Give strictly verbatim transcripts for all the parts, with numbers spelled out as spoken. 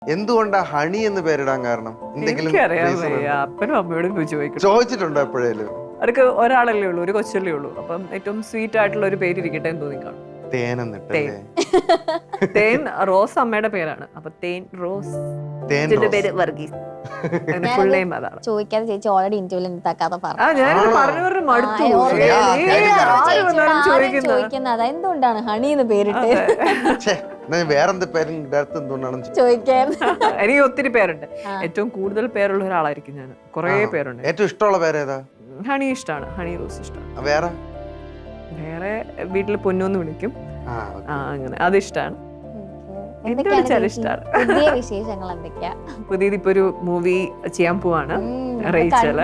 എന്തുകൊണ്ടാ ഹണി എന്ന് പേരിടാൻ കാരണം? എന്തെങ്കിലും അപ്പനും അമ്മയോടും ചോദിക്കും. ചോദിച്ചിട്ടുണ്ടോ എപ്പോഴേലും? അവർക്ക് ഒരാളല്ലേ ഉള്ളൂ, ഒരു കൊച്ചല്ലേ ഉള്ളൂ. അപ്പം ഏറ്റവും സ്വീറ്റ് ആയിട്ടുള്ള ഒരു പേര് ഇരിക്കട്ടെ എന്ന് തോന്നി കാണും. തേൻ റോസ് അമ്മയുടെ പേരാണ്. അപ്പൊ തേൻ റോസ്, പേര് വർഗീസ്. ചോദിക്കാതെ ചേച്ചി ഓൾറെഡി ഇന്റർവ്യൂവിൽ തക്കാതെ ചോദിക്കുന്നത് എന്തുകൊണ്ടാണ് ഹണി എന്ന് പേരിട്ട് വേറെന്ത് പേരും ചോദിക്കാൻ. എനിക്ക് ഒത്തിരി പേരുണ്ട്. ഏറ്റവും കൂടുതൽ പേരുള്ള ഒരാളായിരിക്കും ഞാൻ. കുറെ പേരുണ്ട്. ഏറ്റവും ഇഷ്ടമുള്ള പേരേതാ? ഹണി ഇഷ്ടമാണ്. ഹണി റോസ് ഇഷ്ടമാണ്. വേറെ വേറെ വീട്ടില് പൊന്നൂന്ന് വിളിക്കും. അങ്ങനെ അത് ഇഷ്ടമാണ്. പുതിയത് ഇപ്പൊ ഒരു മൂവി ചെയ്യാൻ പോവാണ് റേച്ചല്.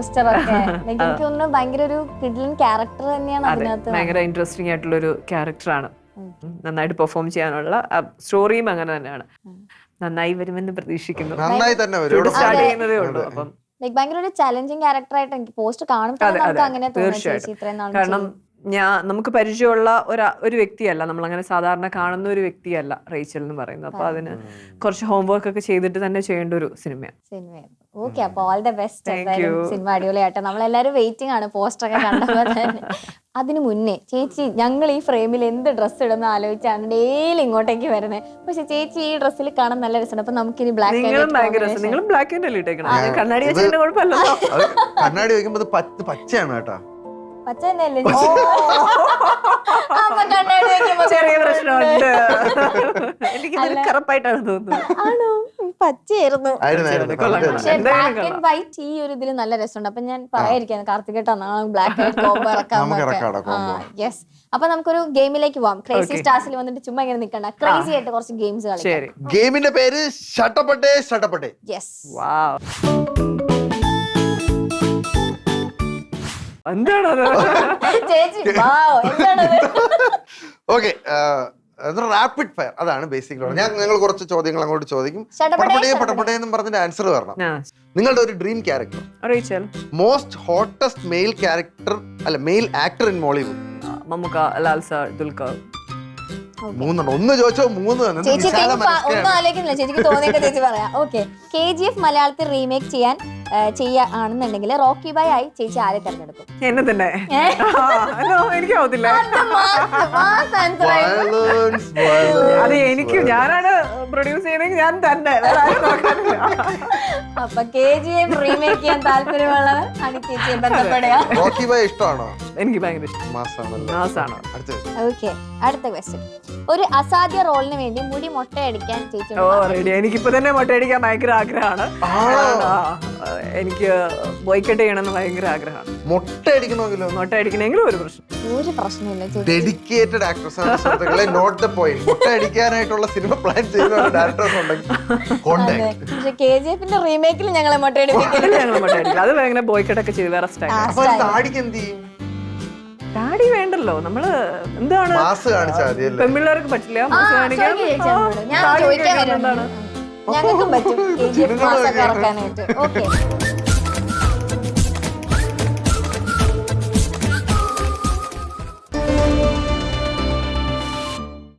ഭയങ്കര ഇൻട്രസ്റ്റിംഗ് ആയിട്ടുള്ള ഒരു ക്യാരക്ടറാണ്. നന്നായിട്ട് പെർഫോം ചെയ്യാനുള്ള സ്റ്റോറിയും അങ്ങനെ തന്നെയാണ്. നന്നായി വരുമെന്ന് പ്രതീക്ഷിക്കുന്നു. സ്റ്റാർട്ട് ചെയ്യുന്നതേ ഉള്ളൂ. അപ്പം ഭയങ്കര ഒരു ചലഞ്ചിങ് ക്യാരക്ടറായിട്ട് എനിക്ക് പോസ്റ്റ് കാണുമ്പോൾ അങ്ങനെ തോന്നുന്നു. കാരണം ഞാൻ നമുക്ക് പരിചയമുള്ള ഒരു ഒരു വ്യക്തിയല്ല, നമ്മൾ അങ്ങനെ സാധാരണ കാണുന്ന ഒരു വ്യക്തിയല്ല റേച്ചൽ എന്ന് പറയുന്നത്. അപ്പൊ അതിന് കുറച്ച് ഹോംവർക്ക് ഒക്കെ ചെയ്തിട്ട് തന്നെ ചെയ്യേണ്ട ഒരു സിനിമയാണ്. ഓക്കെ, അപ്പൊ ഓൾ ദ ബെസ്റ്റ്. സിനിമ അടിപൊളിയാട്ടെ. നമ്മളെല്ലാരും വെയിറ്റിംഗ് ആണ് പോസ്റ്റർ ഒക്കെ കണ്ടപ്പോ തന്നെ. അതിനു മുന്നേ ചേച്ചി, ഞങ്ങൾ ഈ ഫ്രെയിമിൽ എന്ത് ഡ്രസ്സ് ഇടുന്ന ആലോചിച്ചാണ് ഡെയിലി ഇങ്ങോട്ടേക്ക് വരുന്നത്. പക്ഷെ ചേച്ചി ഈ ഡ്രസ്സിൽ കാണാൻ നല്ല രസമുണ്ട്. അപ്പൊ നമുക്ക് ഇനി ബ്ലാക്ക് കണ്ണാടി കണ്ണാടി വെക്കുമ്പോ പച്ചയാണ് കേട്ടോ. പച്ച തന്നെയല്ലേ? ചെറിയ പ്രശ്നമുണ്ട്. എനിക്ക് കറപ്പായിട്ടാണ് തോന്നുന്നത്. ആണോ? പച്ചയായിരുന്നു. പക്ഷെ ബ്ലാക്ക് ആൻഡ് വൈറ്റ് ഈ ഒരു ഇതിൽ നല്ല രസമുണ്ട്. അപ്പൊ ഞാൻ പറയാതിരിക്കാണ്, കാർത്തികേട്ടാ നാളെ ബ്ലാക്ക് ആൻഡ് കോംബോ ഇറക്കാം. യെസ്. അപ്പൊ നമുക്കൊരു ഗെയിമിലേക്ക് പോവാം. ക്രേസി സ്റ്റാർസിൽ വന്നിട്ട് ചുമ്മാ ഇങ്ങനെ നിൽക്കണ്ട, ക്രേസി ആയിട്ട് കുറച്ച് ഗെയിംസ് കളിക്കാം. ഗെയിമിന്റെ പേര് ഷട്ടപ്പട്ടെ ഷട്ടപ്പട്ടെ. യെസ്. എന്താണത് ചേച്ചി? എന്താണത്? ഓക്കെ, റാപ്പിഡ് ഫയർ, അതാണ് ബേസിക്കലി. ഞാൻ നിങ്ങൾ കുറച്ച് ചോദ്യങ്ങൾ അങ്ങോട്ട് ചോദിക്കും. പടപടേ പടപടേ എന്നും പറഞ്ഞിട്ട് ആൻസർ വരണം. നിങ്ങളുടെ ഒരു dream character, Rachel. Most hottest male character അല്ല male actor in Mollywood. Mammukka, Lal sir, Dulquer. മൂന്നെണ്ണം. ഒന്ന് ചോദിച്ചോ മൂന്ന്. ചേച്ചി ഒന്നും ആലോചിക്കുന്നില്ല, ചേച്ചിക്ക് തോന്നിയൊക്കെ ചേച്ചി പറയാം. ഓക്കെ, കെ ജി എഫ് മലയാളത്തിൽ റീമേക്ക് ചെയ്യാൻ ചെയ്യാണെന്നുണ്ടെങ്കിൽ റോക്കി ബൈ ആയി ചേച്ചി ആരെ തെരഞ്ഞെടുക്കും? എന്നെ തന്നെ. എനിക്കാവത്തില്ല. അത് എനിക്ക്, ഞാനാണ് പ്രൊഡ്യൂസ് ചെയ്യണമെങ്കിൽ ഞാൻ തന്നെ. അപ്പൊ കെ ജി എഫ് റീമേക്ക് ചെയ്യാൻ താല്പര്യമുള്ളവർ ആണ് ചേച്ചിയെ ബന്ധപ്പെടുക. റോക്കി ബൈ ഇഷ്ടമാണോ? എനിക്ക് ഭയങ്കര ഇഷ്ടമാണ്. ഓക്കെ, അടുത്ത ക്വസ്റ്റ്യൻ. ഒരു അസാധ്യ റോളിന് വേണ്ടി മുടി മൊട്ടയടിക്കാൻ ചേച്ചി? എനിക്കിപ്പോ തന്നെ മൊട്ടയടിക്കാൻ ഭയങ്കര ആഗ്രഹമാണ്. എനിക്ക് ബോയ്ക്കട്ട് ചെയ്യണമെന്ന് ഭയങ്കര ആഗ്രഹമാണ്. മൊട്ട അടിക്കണമെങ്കിലോ? മൊട്ട അടിക്കണമെങ്കിലും ഒരു പ്രശ്നം ഒരു പ്രശ്നമില്ല. ഡെഡിക്കേറ്റഡ് ആക്ട്രസ് ആണ് സുഹൃത്തുക്കളെ, നോട്ട് ദ പോയിന്റ്. മൊട്ട അടിക്കാനായിട്ടുള്ള സിനിമ പ്ലാൻ ചെയ്യുന്ന ഡയറക്ടേഴ്സ് ഉണ്ടെങ്കിൽ കോണ്ടാക്ട്. പക്ഷേ കെജിഎഫിന്റെ റീമേക്കിൽ ഞങ്ങളെ മൊട്ട അടിപ്പിക്കില്ല. ഞങ്ങൾ മൊട്ട അടിക്കില്ല. അത് ഭയങ്കര ബോയ്ക്കട്ട് ഒക്കെ ചെയ്ത് വേറെ സ്റ്റൈൽ. അപ്പോൾ താടിക്ക് എന്ത് ചെയ്യും? താടി വേണ്ടല്ലോ, നമ്മള് എന്താണ് മാസ് കാണിച്ചാൽ മതി. പെൺപിള്ളേർക്ക് പറ്റില്ല മാസ് കാണിക്കാൻ. ഞങ്ങൾക്കും പറ്റും കെജിഎഫ് മാസ് ഒക്കെ ഇറക്കാനായിട്ട്. ഓക്കെ.